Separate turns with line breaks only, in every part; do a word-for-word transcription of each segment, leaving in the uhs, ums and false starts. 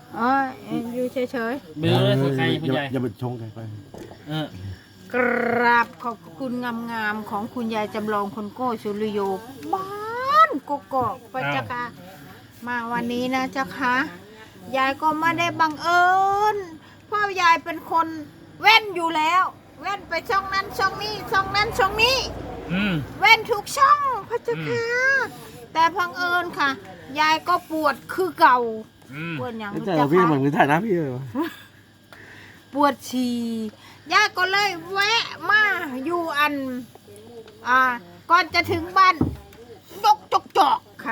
อ๋ออยู่เฉยๆ
เบลเลยใครคุณยาย
อย่าไปชงใครไป
เออก
ราบขอบคุณงามๆของคุณยายจำลองคนโก้สุริโยบ้านกกอกไปเจ้าค่ะมาวันนี้นะเจ้าค่ะยายก็ไม่ได้บังเอิญเพราะยายเป็นคนเว้นอยู่แล้วเว้นไปช่องนั้นช่องนี้ช่องนั้นช่องนี้
อืม
เว้นทุกช่องพระเจ้าค่ะแต่พังเอิญค่ะ ยายก็ปวดคือเก่า
อืม
ปวดอย่าง
ไม่
รู้
ใช่
จัก
พี่
ค่ะ
เหมือนถ่ายหน้าพี่เลยวะ
ปวดฉี่ย่าก็เลยแวะมาอยู่อัน อ่า ก่อนจะถึงบ้านยกจกจอกค่ะ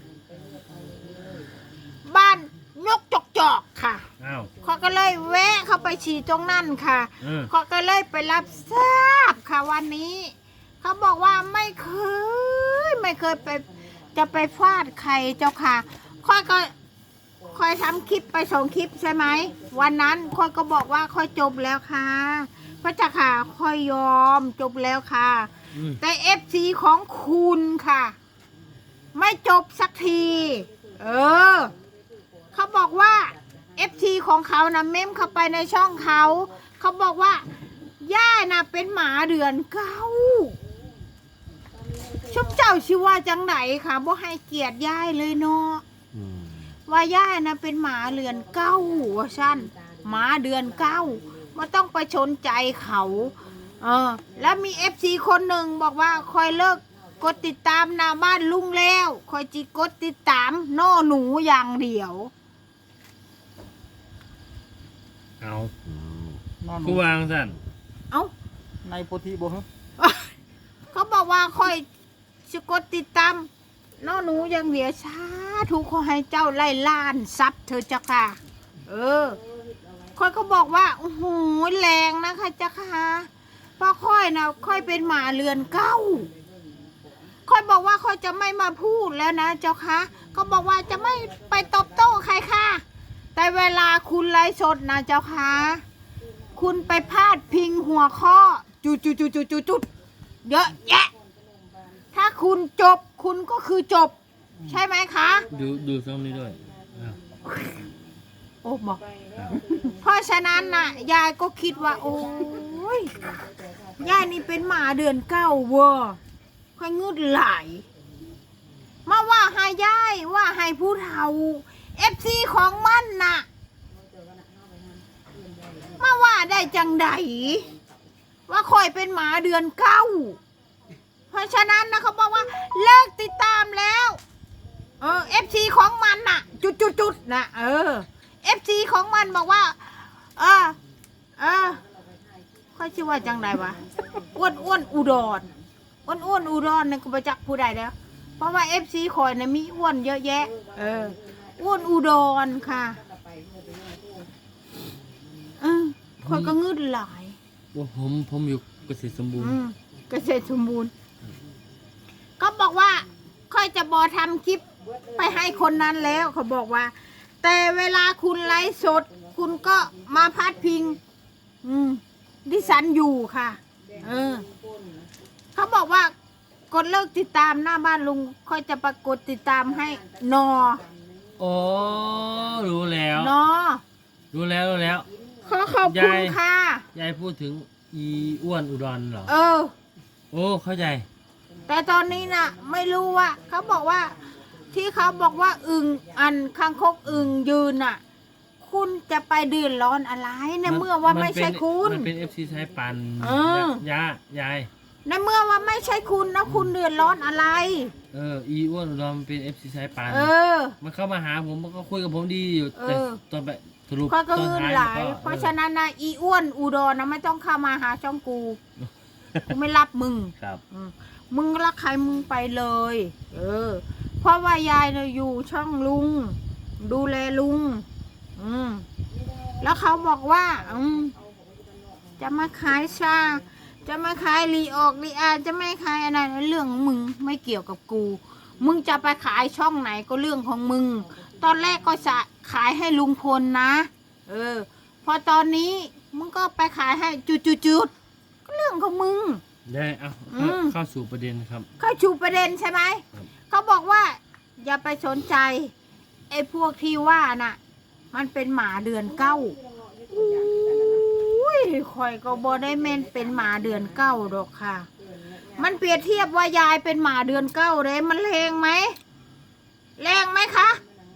บ้านยกจกจอกค่ะ
อ้าว
เขาก็เลยแวะเข้าไปฉี่ตรงนั้นค่ะ
เออ
เขาก็เลยไปรับทราบค่ะวันนี้ เขาบอกว่าไม่เคย ไม่เคยไปจะไปฟาดใครเจ้าค่ะค่อยก็ค่อยทำคลิปไปส่งคลิปใช่ไหมวันนั้นค่อยก็บอกว่าค่อยจบแล้วค่ะพระเจ้าค่ะค่อยยอมจบแล้วค่ะ
อืม
แต่เอฟซีของคุณค่ะ ไม่จบสักที เออ เขาบอกว่าเอฟซีของเขานะเม้มเข้าไปในช่องเขา เขาบอกว่า ย่าน่ะเป็นหมาเดือนเก้าชุบเจ้าชื่อว่าจังไหนค่ะบ่ให้เกียรติย่ายเลยเนาะ
อืม
ว่าย่านะเป็นหมาเดือนเก้าว่าสั้นหมาเดือนเก้าไม่ต้องไปชนใจเขา เออ แล้วมีเอฟซีคนหนึ่งบอกว่าคอยเลิกกดติดตามหน้าบ้านลุงแล้วคอยจีกดติดตามโน่หนูอย่างเดียว
เอา
อืม
นอน
กูวางสั่น
เอ้า
ในโพธิบ่ฮะ
เขาบอกว่าคอยจะกดติดตามโน่หนูอย่างเดียวชาถูกขอให้เจ้าไล่ล้านซับเธอเจ้าค่ะ เออค่อยก็บอกว่าโอ้โหแรงนะคะเจ้าค่ะเพราะค่อยนะค่อยเป็นหมาเรือนเก้าค่อยบอกว่าค่อยจะไม่มาพูดแล้วนะเจ้าค่ะก็บอกว่าจะไม่ไปตอบโต้ใครค่ะแต่เวลาคุณไลฟ์สดนะเจ้าค่ะคุณไปพาดพิงหัวข้อจุดจุดจุดจุดจุดจุดเยอะแยะถ้าคุณจบคุณก็คือจบ ใช่ไหมคะ
ดูดูช่องนี้ด้วยอ้าว
โอ้บอก
ครับ
เพราะฉะนั้นน่ะ ยายก็คิดว่า โอ้ยยายนี่เป็นหมาเดือนเก้าเวอร์ค่อยงึดไหลายมาว่าให้ยายว่าให้ผู้เฒ่าเอฟซีของมันน่ะ มาว่าได้จังใดว่าคอยเป็นหมาเดือนเก้าเพราะฉะนั้นนะเขาบอกว่าเลิกติดตามแล้ว เออเอฟซีของมันน่ะ จุดจุดจุดนะเออเอฟซีของมันบอกว่า เออเออค่อยชื่อว่าจังไดวะอ้วนอ้วนอุดรอ้วนอ้วนอุดรนี่ก็ประจักษ์ผู้ใดแล้ว เพราะว่าเอฟซีคอยนะมีอ้วนเยอะแยะ เอออ้วนอุดรค่ะเออคอยก็งึดหลาย
ว่าผมผมอยู่เกษตรสมบูรณ์
อืมเกษตรสมบูรณ์ก็บอกว่า ค่อยจะบอทำคลิปไปให้คนนั้นแล้วเขาบอกว่า แต่เวลาคุณไลฟ์สด คุณก็มาพัดพิง อืมดิฉันอยู่ค่ะ เออ เขาบอกว่ากดเลิกติดตามหน้าบ้านลุง ค่อยจะปรากฏติดตามให้นอ
โอ้รู้แล้ว
นอ
รู้แล้วรู้แล้ว
ขอขอบคุณ
ยาย
ค่ะ
ยายพูดถึงอีอ้วนอุดรเหรอ
เออ
โอ้เข้าใจ
แต่ตอนนี้น่ะ ไม่รู้ว่าเขาบอกว่า ที่เขาบอกว่าอึงอันคางคกอึงยืนน่ะ คุณจะไปเดือดร้อนอะไรในเมื่อว่าไม่ใช่คุณ
มันเป็นเอฟซีสายปัน
เออ
ยายาย
ในเมื่อว่าไม่ใช่คุณนะคุณเดือดร้อนอะไร
เอออีอ้วนอุดรมันเป็นเอฟซีสายปัน
เออ
มันเข้ามาหาผมมันก็คุยกับผมดีอยู่
เออ
แต่ตอนไปสรุป
ข้อยก็
ตอน
เงิน
ท้าย
หลาย
มันก็
เพราะฉะนั้นนะอีอ้วนอุดรนะไม่ต้องเข้ามาหาช่องกูกูไม่รับมึง
ครับ
อืมมึงรักใครมึงไปเลย เออ เพราะว่ายายเนี่ยอยู่ช่องลุง ดูแลลุง อืมแล้วเขาบอกว่า อืมจะมาขายชา จะมาขายรีออกรีอาจะไม่ขายอะไรเรื่องของมึงไม่เกี่ยวกับกู มึงจะไปขายช่องไหนก็เรื่องของมึง ตอนแรกก็จะขายให้ลุงพลนะ เออ พอตอนนี้มึงก็ไปขายให้จุดๆๆก็เรื่องของมึง
ได้เอา
อืม
เข้าสู่ประเด็นครับ
เขาชูประเด็นใช่ไหม
ครับ
เขาบอกว่า อย่าไปสนใจ ไอ้พวกที่ว่าน่ะมันเป็นหมาเดือนเก้าอุ้ยคอยก็บ่ได้แม่นเป็นหมาเดือนเก้าดอกค่ะ มันเปรียบเทียบว่ายายเป็นหมาเดือนเก้าเลยมันแรงไหมแรงไหมคะ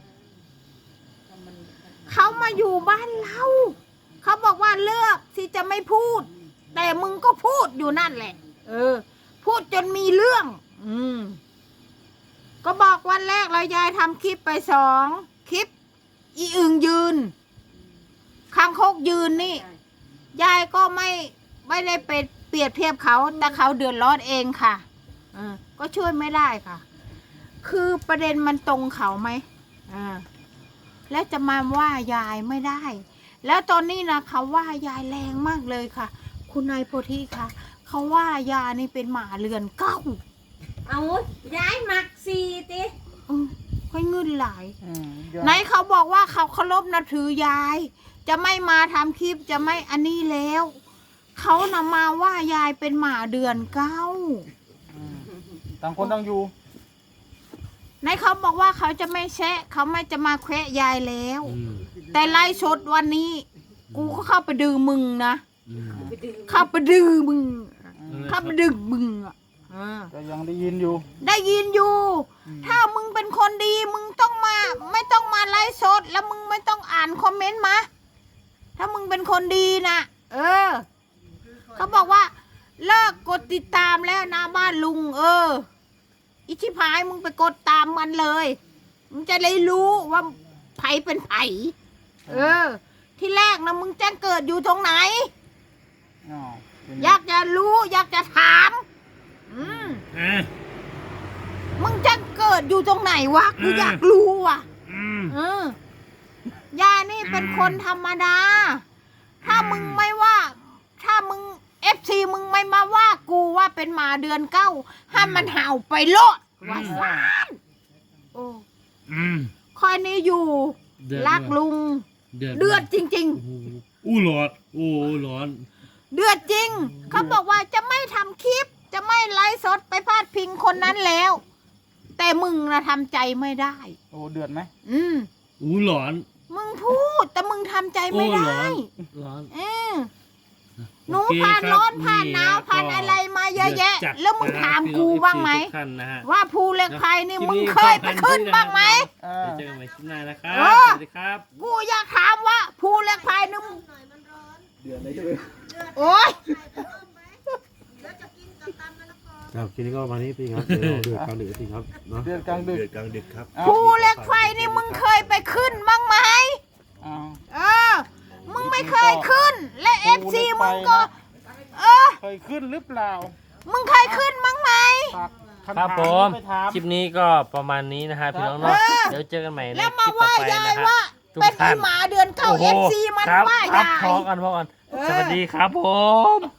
เขามาอยู่บ้านเราเขาบอกว่าเลือกที่จะไม่พูด แต่มึงก็พูดอยู่นั่นแหละ เออ พูดจนมีเรื่อง อืมก็บอกวันแรกเรายายทำคลิปไปสองคลิป อีอึงยืนคางคกยืนนี่ยายก็ไม่ไม่ได้ไปเปรียบเทียบเขาแต่เขาเดือดร้อนเองค่ะเออก็ช่วยไม่ได้ค่ะ คือประเด็นมันตรงเขาไหมอ่าแล้วจะมาว่ายายไม่ได้ แล้วตอนนี้นะเขาว่ายายแรงมากเลยค่ะ คุณนายโพธิค่ะเขาว่ายายนี่เป็นหมาเรือนเก้า
เอาย้ายหมักสีติ
อืมค่อยเงินหลาย
อืมเดี๋ยว
ไหนเขาบอกว่าเขาเคารพนับถือยาย จะไม่มาทำคลิปจะไม่อันนี้แล้ว เขานำมาว่ายายเป็นหมาเดือนเก้า
อืมต่างคนต่างอยู่
ไหนเขาบอกว่าเขาจะไม่แชะเขาไม่จะมาแควะยายแล้ว
อืม
แต่ไล่ชดวันนี้ กูก็เข้าไปดื้อมึงนะ
อืม
เข้าไปดื้อมึง
นั่นแหละ
เข้าไปดื้อมึงอ่ะอ่า
ก็ยังได้ยินอยู่
ได้ยินอยู่
อืม
ถ้ามึงเป็นคนดีมึงต้องมา ไม่ต้องมาไล่สดแล้วมึงไม่ต้องอ่านคอมเมนต์มา ถ้ามึงเป็นคนดีนะเออ เขาบอกว่า เลิกกดติดตามแล้วนะบ้านลุง เออ อิชิพายมึงไปกดตามมันเลย มึงจะได้รู้ว่าไผเป็นไผเออ ที่แรกนะมึงแจ้งเกิดอยู่ตรงไหน
อ๋อเป็น
อยากจะรู้ อยากจะถาม อืม
อ่ะ
มึงจะเกิดอยู่ตรงไหนวะกู
อืม
อยากรู้ว่ะ
อืม
เออยายนี่เป็นคนธรรมดา ถ้ามึงไม่ว่า ถ้ามึงเอฟซีมึงไม่มาว่ากูว่าเป็นหมาเดือนเก้าให้มันเห่าไปโลดว่าซานโอ้
อืม
คอยนี่อยู่
เดือด
รัก
ด้วย
ลุง
เดือด
เดือดจริง
โอ้โหอู้ร้อนโอ้ร้อน
ๆ เดือดจริง เขาบอกว่าจะไม่ทำคลิป จะไม่ไลฟ์สดไปพาดพิงคนนั้นแล้ว แต่มึงนะทำใจไม่ได้
โอ้เดือดไหม
อืม
อู้ร้อน
มึงพูด แต่มึงทำใจไม่
โอ้
ได้
ร้อนร้อน
เออหนู
โอเค
ผ่าน
ครับ
ร้อนผ่านหนาว
นี่
ผ่าน
ก็
อะไรมาเยอะแยะ
ดืดจัด
แล้วมึง
นะฮะ
ถาม
พี่น้
กู
อง
บ้างไหม
เอฟซีทุกท่านนะฮะ
ว่าภูเหล็กไฟนี่
คลิป
มึง
นี้
เคยไปขึ้นบ้างไหม
อ่า
เดี๋ยวเจอกันใหม่คลิปหน้านะครับ
เออ
สวัสดีครับ
กูอยากถามว่าภูเหล็กไฟนี่มึงโอ๊ย
ครับทีนี้ก็วันนี้พี่ครับเดี๋ยวเราเดือดกลางดึกจริงครับเนาะ
เดือดกลางดึก
เดือดกลางดึกครับ
อ้าว
ภูเหล็กไฟนี่มึงเคยไปขึ้นบ้างไหม
อ้าว
เออ มึงไม่เคยขึ้น และเอฟซีมึงก็ เออ
เคยขึ้นหรือเปล่า
มึงเคยขึ้นบ้างไหม
ฝากคำ
ครับ
ถาม
ผม
ไปถาม
คลิปนี้ก็ประมาณนี้นะฮะพี่น้องเนาะ
เออ
เดี๋ยวเจอกันใหม่ใน
แล้ว
ค
มา
ลิปต่อ
ว่า
ไป
ยาย
นะฮะ
ว่า
ทุก
เป็น
ท่า
อี
น
หมาเดือนเก้า
โอ้โห
เอฟซีมัน
ครับ
ว่า
ครับ
ยาย
พอกันพอกันสวัสดีครับผม